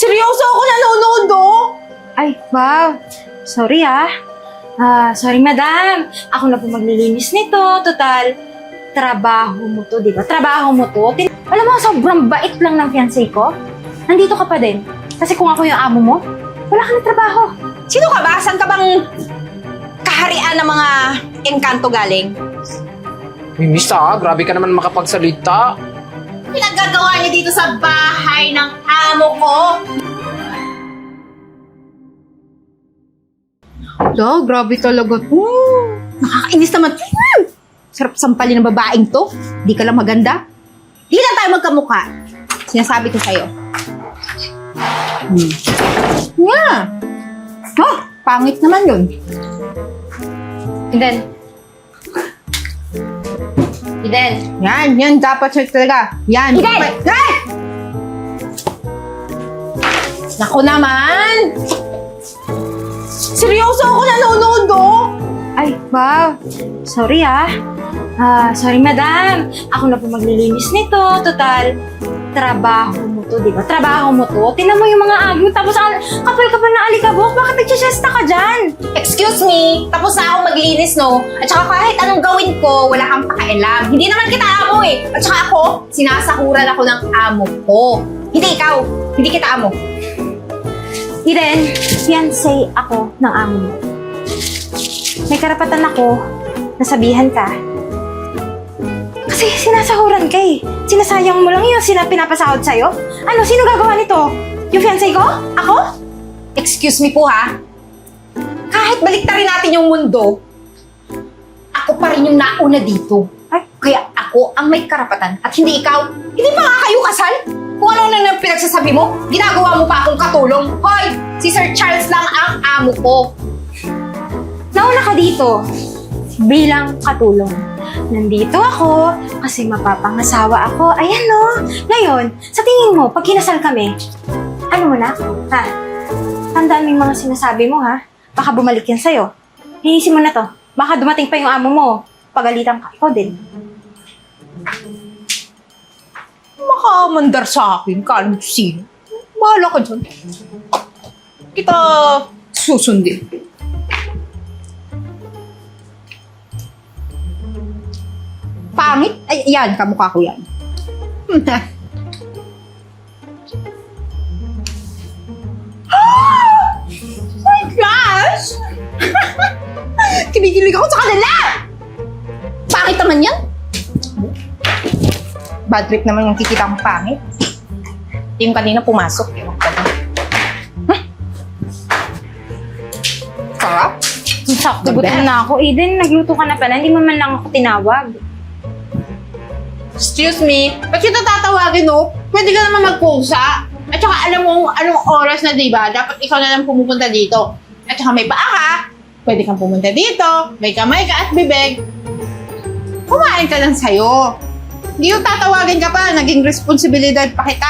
Seryoso ako nanonood, oh! Ay, wow. Sorry sorry madam. Ako na po maglilinis nito. Total, trabaho mo to, di ba? Trabaho mo to. Alam mo, sobrang bait lang ng fiancé ko. Nandito ka pa din. Kasi kung ako yung amo mo, wala ka na trabaho. Sino ka ba? Saan ka bang kaharian ng mga engkanto galing? Miss grabe ka naman makapagsalita. Pinaggagawa niya dito sa bahay ng amo ko. Grabe talaga to. Nakakainis naman. Sarap sampalin ng babaeng to. Di ka lang maganda. Di lang tayo magkamukha. Sinasabi ko sa'yo. Yeah. Oh, pangit naman yun. Eden. Yan dapat siya talaga. Yan. Eden! Ay! Naku naman! Seryoso ako nanonood, oh! Ay, wow. Sorry sorry madam. Ako na po maglilinis nito. Total, trabaho mo to, di ba? Trabaho mo to. Tingnan mo yung mga agi mo. Tapos kapal-kapal na alikabok. Bakit nagsisiesta ka dyan? Excuse me, tapos na akong maglinis, no? At saka kahit anong gawin ko, wala kang pakialam. Hindi naman kita amo eh. At saka ako, sinasakuran ako ng amo ko. Hindi ikaw, hindi kita amo. Eden, fiancé ako ng amo mo. May karapatan ako na sabihan ka. Kasi sinasahuran ka eh. Sinasayang mo lang yung pinapasahod sa'yo. Ano, sino gagawa nito? Yung fiancé ko? Ako? Excuse me po ha. Kahit baliktarin natin yung mundo, ako pa rin yung nauna dito. Ay, kaya ako ang may karapatan at hindi ikaw. Hindi pa nga kayo kasal? Kung ano na pinagsasabi mo, ginagawa mo pa akong katulong. Hoy, si Sir Charles lang ang amo ko. Nauna ka dito bilang katulong. Nandito ako kasi mapapangasawa ako. Ayan no. Ngayon, sa tingin mo, pag kinasal kami, ano mo na? Ha? Tandaan mo yung mga sinasabi mo ha? Baka bumalik yan sa'yo. Hinihisin mo na to. Baka dumating pa yung amo mo. Pagalitan ka. Ikaw din. Makamandar sa akin, kalang sino. Bahala ka dyan. Kita susundin. Pangit? Ay, yan, kamukha ko yan. My gosh! Kinikilig ako sa kanila! Pangit naman yan. Bad trip naman yung kikita kong pangit. Yung kanina pumasok. Yung sarap? Sakto, gutom na ako. Eden, nagluto ka na pala. Hindi mo man lang ako tinawag. Excuse me, ba't kita tatawagin, no? Pwede ka naman magpusa. At saka alam mo anong oras na, diba? Dapat ikaw na lang pumupunta dito. At saka may paa ka, pwede kang pumunta dito. May kamay ka at bibig. Kumain ka lang sa'yo. Hindi yung tatawagin ka pa, naging responsibilidad pa kita.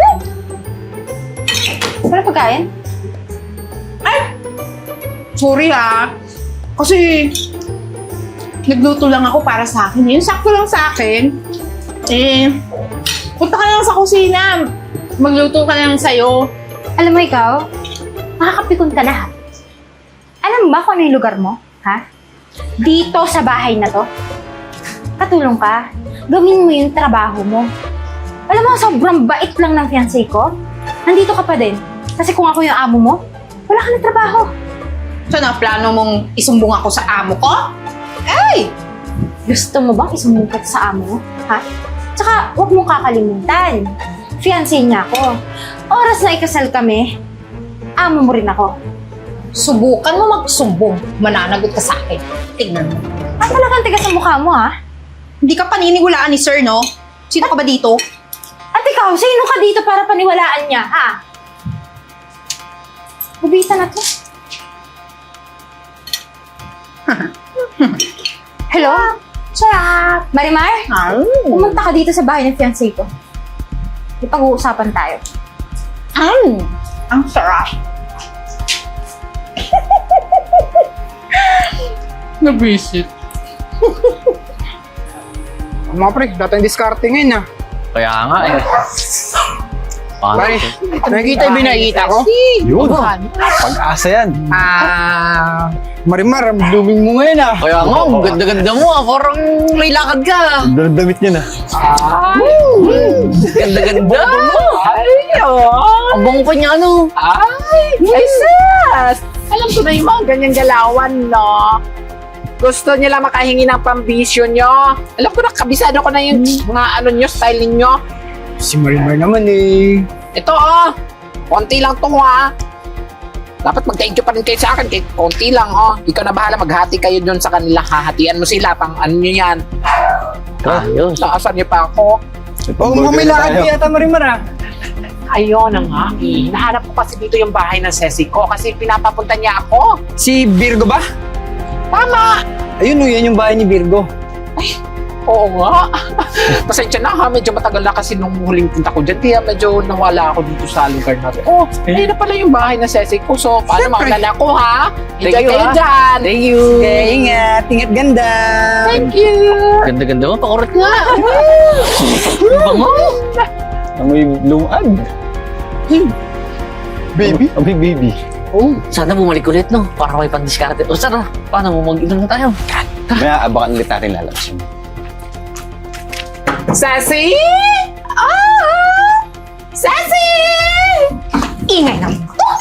Wala pagkain? Ay! Sorry ha. Kasi nagluto lang ako para sa akin. Yung sakto lang sa akin. Punta ka lang sa kusina. Magluto ka lang sa'yo. Alam mo ikaw, makakapikon ka na ha. Alam mo ba kung ano yung lugar mo? Ha? Dito sa bahay na to. Katulong ka. Gawin mo yung trabaho mo. Alam mo, sobrang bait lang ng fiancé ko. Nandito ka pa din. Kasi kung ako yung amo mo, wala ka na trabaho. So na, plano mong isumbong ako sa amo ko? Ay! Gusto mo bang isumbong ka sa amo mo? Ha? Tsaka, huwag mong kakalimutan. Fiancé niya ako. Oras na ikasal kami, amo mo rin ako. Subukan mo magsumbong. Mananagot ka sa akin. Tingnan mo. Talagang tigas ang mukha mo, ha? Hindi ka paniniwalaan ni sir, no? Sino ka ba dito? At ikaw, sino ka dito para paniwalaan niya, ha? Bubita na to. Hello? Sarap! Marimar? Pumunta ka dito sa bahay ng fiancé ko. May pag-uusapan tayo. Ang sarap. Nabisit. Mga pre, dati yung diskarte ngayon ah. Kaya nga eh. Pare, nakikita yung binakita ko? Yun. Pag-asa yan. Marimar, ang blooming mo ngayon ah. Kaya nga, ang ganda-ganda mo ah. Parang may lakad ka. Damit niya na. Ganda-ganda mo. Ay, ang bango pa niya, ano? Ay, sis! Alam ko na yung mga ganyang galawan, no? Gusto niyo lang makahingi ng pambisyo nyo. Alam ko na, kabisado ko na yung mga ano nyo, style ninyo. Si Marimar naman eh. Ito, konti lang to, ha? Dapat mag-thank you pa rin kayo sa akin, kahit konti lang, Ikaw na bahala, maghati kayo dun sa kanila. Hahatian mo sila, pang ano nyo yan. Ayos. Naasan niyo pa ako. Oh, mukhang may lakad ka yata, Marimar ah. Ayun na nga, Hinahanap ko kasi dito yung bahay ng sesi ko kasi pinapapunta niya ako. Si Virgo ba? Tama! Ayun yan yung bahay ni Virgo. Oo nga. Pasensya na ha, medyo matagal na kasi nung huling punta ko dyan. Kaya medyo nawala ako dito sa lugar natin. Ayun na pala yung bahay na sesi ko. So, paano makalala ko ha? Enjoy Thank you, kayo ha? dyan. Thank you. Okay, ingat. Ingat ganda. Thank you. Ganda-ganda mo, pakurot nga. Bango. Amoy lumad. Baby? Amoy baby. Oh, sana bumalik ulit, no? Para may pang-discarte. O sana, paano mo mag-inom na tayo? Maya, abangan ulit natin lalabas yun. Sesi! Sesi! Ingay na.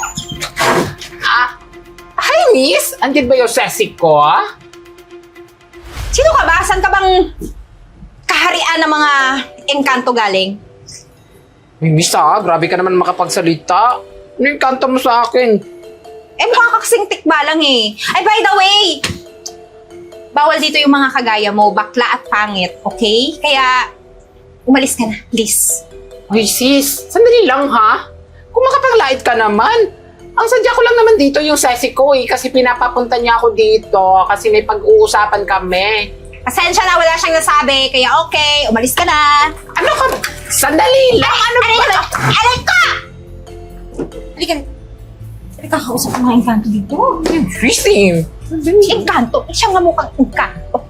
Hi, miss. Andyan ba yung sesi ko? Sino ka ba? Saan ka bang kaharian ng mga engkanto galing? May misa, grabe ka naman makapagsalita. Ano yung kanto mo sa akin? Mukha ka kasing tikba lang eh. Ay, by the way, bawal dito yung mga kagaya mo, bakla at pangit, okay? Kaya, umalis ka na, please. Ay, sis. Sandali lang, ha? Kung makapaglait ka naman. Ang sadya ko lang naman dito yung sesi ko, kasi pinapapunta niya ako dito kasi may pag-uusapan kami. Pasensya na, wala siyang nasabi, kaya okay, umalis ka na. Ano ka? Sandali lang. Ano ba? Alay ka! Halika. Halika, kausap ko mga engkanto dito. Christine. Engkanto? Siya nga mukhang engkanto.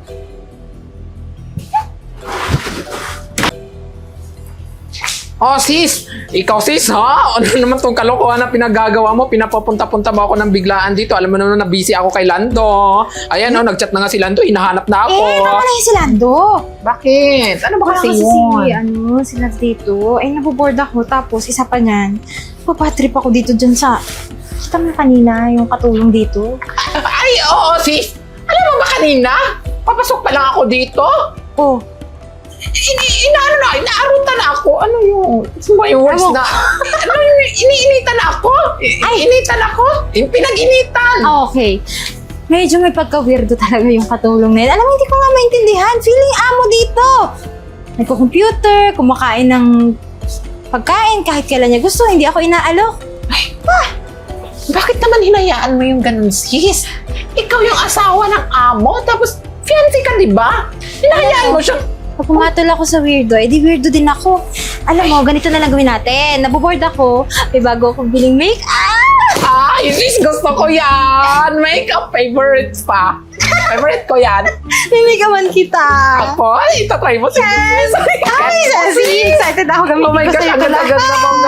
Oh, sis. Ikaw, sis, ha? Ano naman tong kalokohan na pinagagawa mo? Pinapapunta-punta ba ako ng biglaan dito? Alam mo naman na busy ako kay Lando. Ayan, nag-chat na nga si Lando. Hinahanap na ako. Tama na yung si Lando. Bakit? Ano ba Wala kasi kasi yun? sila dito. Ay, naboboard ako. Tapos, isa pa niyan, papatrip ako dito dyan sa... Kita mo kanina, yung katulong dito. Ay, oo, sis. Alam mo ba kanina? Papasok pa lang ako dito. Oh, Inaarutan na ako. Ano yung words Ano? na? Ano yung iniinitan ako? Initan ako? Yung pinag-initan. okay. Medyo may pagka-weirdo talaga yung katulong na yun. Alam mo, hindi ko nga maintindihan. Feeling amo dito. Nagko-computer, kumakain ng pagkain kahit kailan niya gusto. Hindi ako inaalok. Bakit naman hinayaan mo yung ganun, sis? Ikaw yung asawa ng amo, tapos fiancé ka, di ba? Hinayaan mo siyang... Pag pumatol ako sa weirdo, edi weirdo din ako. Alam mo, ganito na lang gawin natin. Naboboard ako. May bago akong biling make-up. Ay, sis, gusto ko yan! Makeup favorites pa. Favorite ko yan. May make-upan kita. Ako, itatry mo si sis. Ay, Ceci! Excited ako. Oh my gosh, ang ganda-ganda mong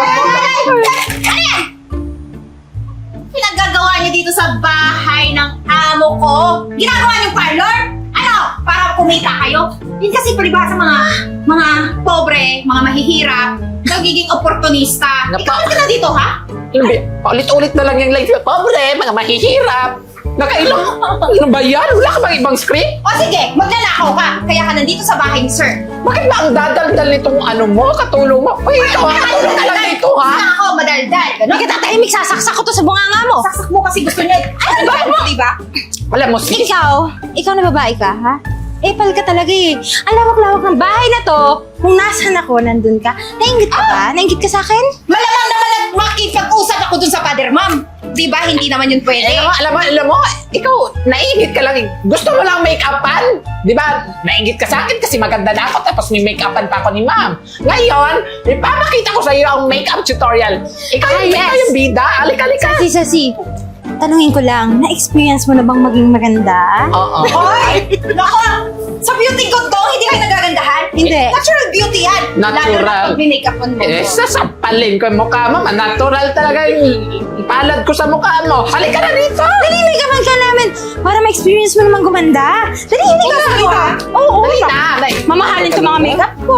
Pinagagawa niyo dito sa bahay ng amo ko? Ginagawa niyong parlor? Ano? Para kumita kayo? Yun kasi palibasa mga pobre, mga mahihirap, nagiging oportunista. Napa- Ikaw ka na dito, ha? Paulit-ulit na lang yung life. Pobre, mga mahihirap. Nakailang, ano ba yan? Wala ka bang ibang script? O sige, magnanakaw ka. Kaya ka nandito sa bahay ni Sir. Bakit ba ang dadaldal nitong ano mo, katulong mo? Uy, ikaw, katulong ka lang dito, ha? Hindi ako madaldal. Hindi ka tatahimik, sasaksak ko to sa bunganga mo. Saksak mo kasi gusto niya. Ano ba mo? Diba? Alam mo, sis, Ikaw na babae ka, ha? Pal ka talaga eh. Ang lawak-lawak ng bahay na to. Kung nasan ako, nandun ka. Nainggit ka ba? Nainggit ka sa akin? Malamang naman at makipag-usap ako dun sa father, ma'am. Di ba? Hindi naman yun pwede. alam mo, ikaw, naingit ka lang. Gusto mo lang make-upan. Di ba? Naingit ka sa akin kasi maganda na ako tapos may make-upan pa ako ni ma'am. Ngayon, ipapakita ko sa iyo ang make-up tutorial. Ikaw yung bida. Alika. Sasi. tanungin ko lang, na-experience mo na bang maging maganda? Oo. Hoy! Nako! Sa beauty ko to, hindi kayo nagagandahan? Hindi. Natural beauty yan. Lalo Natural. na pag binake-upan mo. Eh, sasampalin ko yung mukha mo. Natural talaga yung palad ko sa mukha mo. Halika na dito! Dali, make-upan ka namin para ma-experience mo naman gumanda. Dali, make-up ka. Oo, Dali na! mamahalin to mga makeup ko.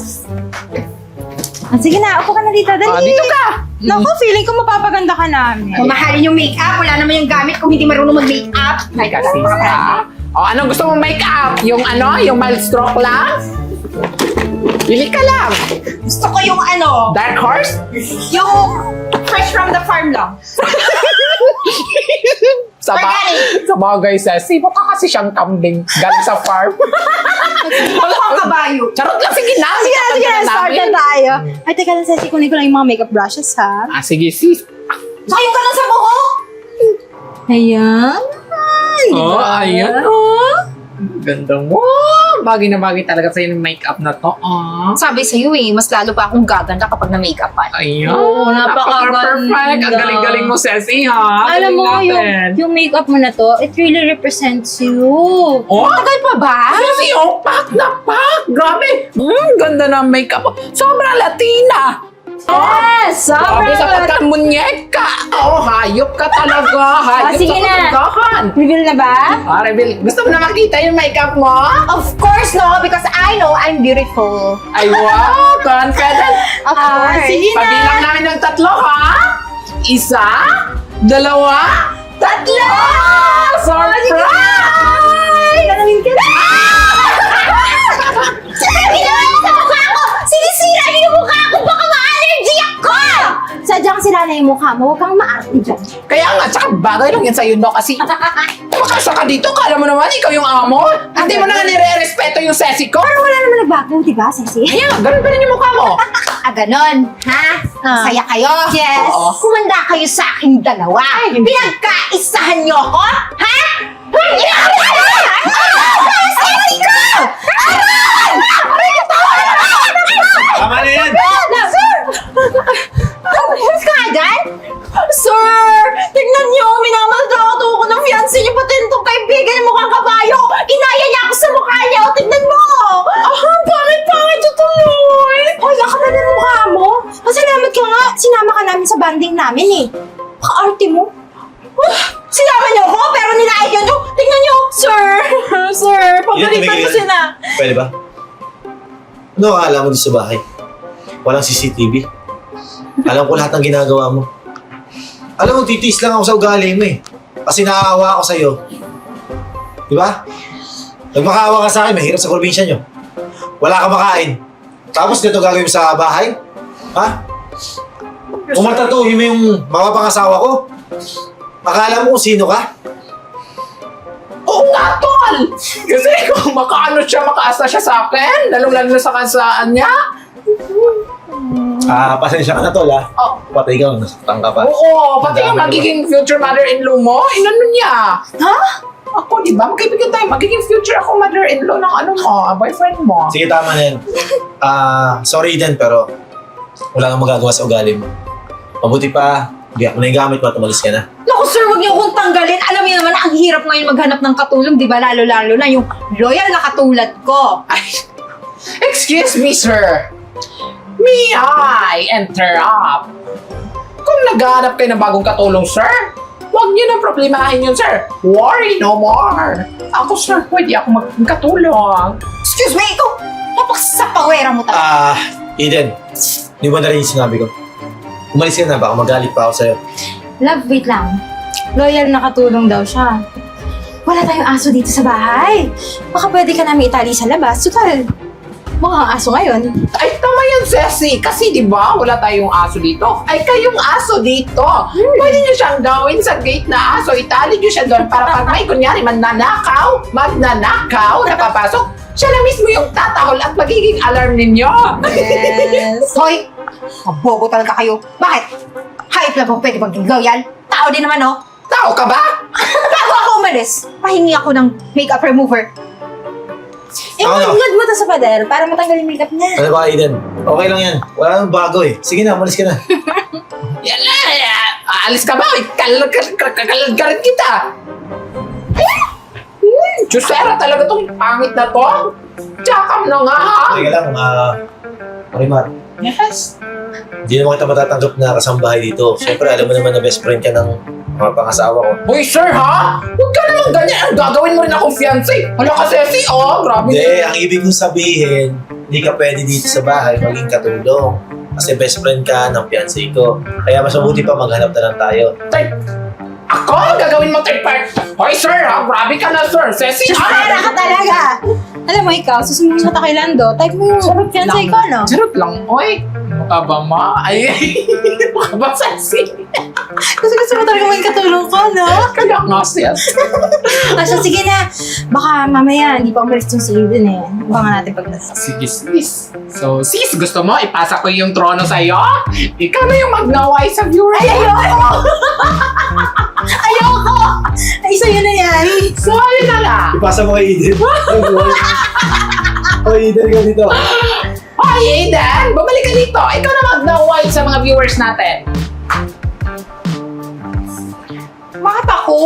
Ah, sige na, upo ka na dito. Dali. Dito ka! Naku, feeling ko mapapaganda ka namin. Mamahalin yung make-up. Wala naman yung gamit kung hindi marunong mag-make-up. Ay, kasi sa... O, anong gusto mong make-up? Yung ano? Yung mild stroke lang? Pili ka lang. Gusto ko yung ano, Dark horse? yung fresh from the farm lang. Sa bagay, Ceci. Mukha kasi siyang kambing galing sa farm. Wala kang kabayo. Charot lang, sige na. Sige na, start na tayo. Ay, teka lang, Ceci, kunin ko lang yung mga makeup brushes, ha? Ah, sige, sis. Sayang ka lang sa buhok. Ayan. Oh, ayan, oh. Ganda mo. Bagay na bagay talaga sa'yo ng makeup na to. Ah. Sabi sa'yo mas lalo pa akong gaganda kapag na-make-upan. Ayan. Oo, napakaganda. Napaka-perfect. Ang galing-galing mo, Ceci, ha? Alam mo, Galing natin. yung makeup mo na to, it really represents you. Oh, Tagal pa ba? Ceci, oh, pak na pak. Grabe. Ganda ng makeup mo. Sobrang Latina. Yes! Grabe sa pagkamunyeka. Oh, hayop ka talaga. Hayop sige sa na. kagandahan. Reveal na ba? Ah, Rebel, gusto mo na makita yung makeup mo? Of course, no, because I know I'm beautiful. Ay, wow. Confident. Of course. sige na. Pabilang namin ng 3, ha? 1, 2, 3. Surprise! Tanungin ka na. Sabi naman sa mukha ko! Sinisira niyo yung mukha ko! Baka ma-allergy ako! Sadyang sila na yung mukha mo, huwag kang maarte dyan. Kaya nga, tsaka bagay lang yan sa'yo, no? Kasi makasa ka dito, kala mo naman ikaw yung amo. Hindi mo na nga nire-respeto yung sesi ko. Pero wala naman nagbago, di ba, Ceci? Ayan, ganun pa rin yung mukha mo. Ah, ganon, ha? Masaya kayo? Yes. Oo. Kumanda kayo sa aking dalawa. Pinagkaisahan niyo ako? Ha? Hindi ako! Sexy ko! Tama na yan! Tapos ka agad? Sir! Tignan niyo! Minamaltrato ako ng fiancé niyo pati itong kaibigan niya mukhang kabayo! Kinaya niya ako sa mukha niya! O, tignan mo! Pangit ito tuloy! Hoy, ako na ng mukha mo. Pasalamat ka nga, sinama ka namin sa banding namin eh. Paka-arte mo. Sinama niyo ako pero nilait niyo! Tingnan niyo! Sir! Sir! Pagalitan mo sila! Pwede ba? Ano akala mo dito sa bahay? Walang CCTV. Alam ko lahat ng ginagawa mo. Alam mo, titiis lang ako sa ugali mo eh. Kasi naaawa ako sa'yo. Di ba? Nagmakaawa ka sa akin, mahirap sa probinsya nyo. Wala ka makain. Tapos dito gagawin mo sa bahay? Ha? Umartatuhin mo yung mga pangasawa ko? Akala mo kung sino ka? Oo nga, tol! Kasi kung makaasa siya sa akin, lalong-lalo na sa kansaan niya. Pasensya ka na tol ha. Oh. Patay ka, nasaktan ka pa. Oo, pati yung Ang dami magiging future mother-in-law mo, inano niya. Ha? Ako, di ba? Magkaibigan tayo. Magiging future ako mother-in-law ng ano mo, boyfriend mo. Sige, tama na yan. Sorry din, pero wala kang magagawa sa ugali mo. Mabuti pa, hindi ako na yung gamit mo at umalis ka na. Naku sir, huwag niyo akong tanggalin. Alam niyo naman, ang hirap ngayon maghanap ng katulong, di ba? Lalo-lalo na yung loyal na katulad ko. Ay, excuse me, sir. May I interrupt? Kung naghahanap kayo ng bagong katulong, sir, huwag niyo nang problemahin yun, sir. Worry no more. Ako, sir, pwede ako magkatulong. Excuse me, ikaw, napaksapawera mo talaga. Eden, di ba na rin yung sinabi ko? Umalis ka na, baka magalit pa ako sa'yo. Love, wait lang. Loyal na katulong daw siya. Wala tayong aso dito sa bahay. Baka pwede ka namin itali sa labas. Total, mukhang aso ngayon. Ay, tama yan, Ceci. Kasi, di ba, wala tayong aso dito. Ay, kayong aso dito. Pwede niyo siyang gawin sa gate na aso. Itali niyo siya doon para pag may kunyari magnanakaw, napapasok, siya na mismo yung tatahol at magiging alarm ninyo. Yes. Hoy, mabobo talaga kayo. Bakit? Hayop na ba pwede maging loyal? Tao din naman, no? Tao ka ba? Bago ako umalis, pahingi ako ng makeup remover. Ako na. Ingad mo to sa pader para matanggal yung makeup niya. Ano ba, Eden? Okay lang yan. Wala nang bago eh. Sige na, umalis ka na. Yan na. Aalis ka ba? Kakalad ka rin kita. Chusera talaga tong pangit na to. Tsaka na nga ha. Teka lang, Marimar. Yes. Hindi naman kita matatanggap na kasambahay dito. Siyempre, alam mo naman na best friend ka ng mga pangasawa ko. Hoy sir ha? Huwag ka naman ganyan. Ang gagawin mo rin akong fiancé. Hala ka Ceci, oh. Grabe. Hindi, ang ibig kong sabihin, hindi ka pwede dito sa bahay maging katulong. Kasi best friend ka ng fiancé ko. Kaya mas mabuti pa maghanap na lang tayo. Ako? Gagawin mo third part? Hoy sir ha? Grabe ka na sir. Ceci Chusera ka talaga! Alam mo ikaw, susunod mo kay Lando, type mo yung fiancé ko, no? Charot lang. Oy. Mukha ba ma? Ay. Mukha ba Ceci? Kasi gusto mo talaga maging katulong ko, no? Kaya nga sis. So, sige na. Baka mamaya, hindi pa umalis yung si Aiden eh. Baka natin pagdasal. Sige sis. So sis, gusto mo ipasa ko yung trono sa'yo? Ikaw na yung magnaway sa viewers. Ay, ayoko! Ayoko! Ay, sa'yo na yan. So ayun na nga. Ipasa mo kay Eden. Hoy, Eden ka dito. Hoy Aiden, bumalik ka dito. Ikaw na magnaway sa mga viewers natin. Bakit ako?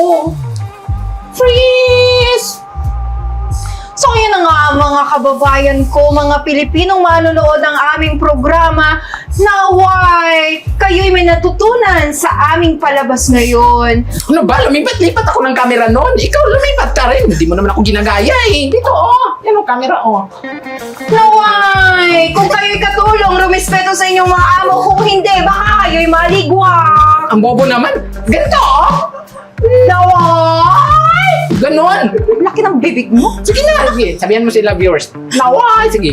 Freeze! So yun na nga mga kababayan ko, mga Pilipinong manonood ng aming programa, naway kayo'y may natutunan sa aming palabas ngayon. Ano ba? Lumipat-lipat ako ng camera noon. Ikaw lumipat ka rin. Hindi mo naman ako ginagaya eh. Dito oh. Yan ang camera oh. Naway, kung kayo'y katulong, rumispeto sa inyong mga amo. Kung hindi, baka kayo'y maligwang. Ang bobo naman. Ganito oh. Naway! Ganon. Laki ng bibig mo. Sige na. Sige. Sabihan mo sila viewers. Naway. Sige.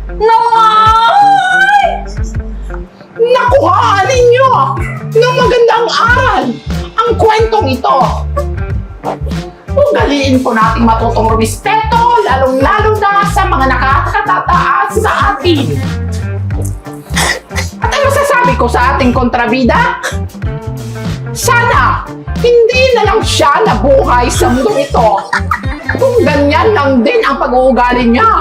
Naway! Nakuhaan ninyo ng magandang aral ang kwentong ito. Ugaliin po nating matutong rumispeto, lalong-lalo na sa mga nakakatataas sa atin. At ano sasabi ko sa ating kontrabida? Sana hindi na lang siya nabuhay sa mundo ito. Kung ganyan lang din ang pag-uugali niya.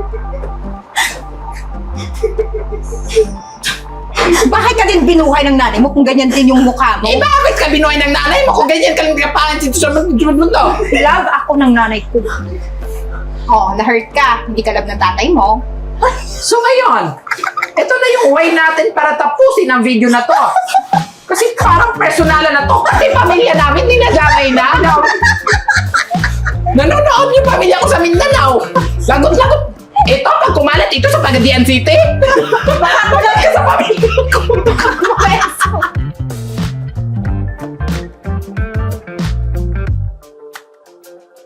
Bakit ka din binuhay ng nanay mo kung ganyan din yung mukha mo? Eh bakit ka binuhay ng nanay mo kung ganyan ka lang kapangan dito sa mundo? Love ako ng nanay ko. Oh, na-hurt ka. Hindi ka love ng tatay mo. So ngayon, ito na yung way natin para tapusin ang video na to. Kasi parang personalan na to. Kasi pamilya namin dinadamay na. Nanonood yung pamilya ko sa Mindanao. Lagot-lagot. Ito, pag kumalat ito sa Pagadian City. Baka kulat ka sa pamilya ko.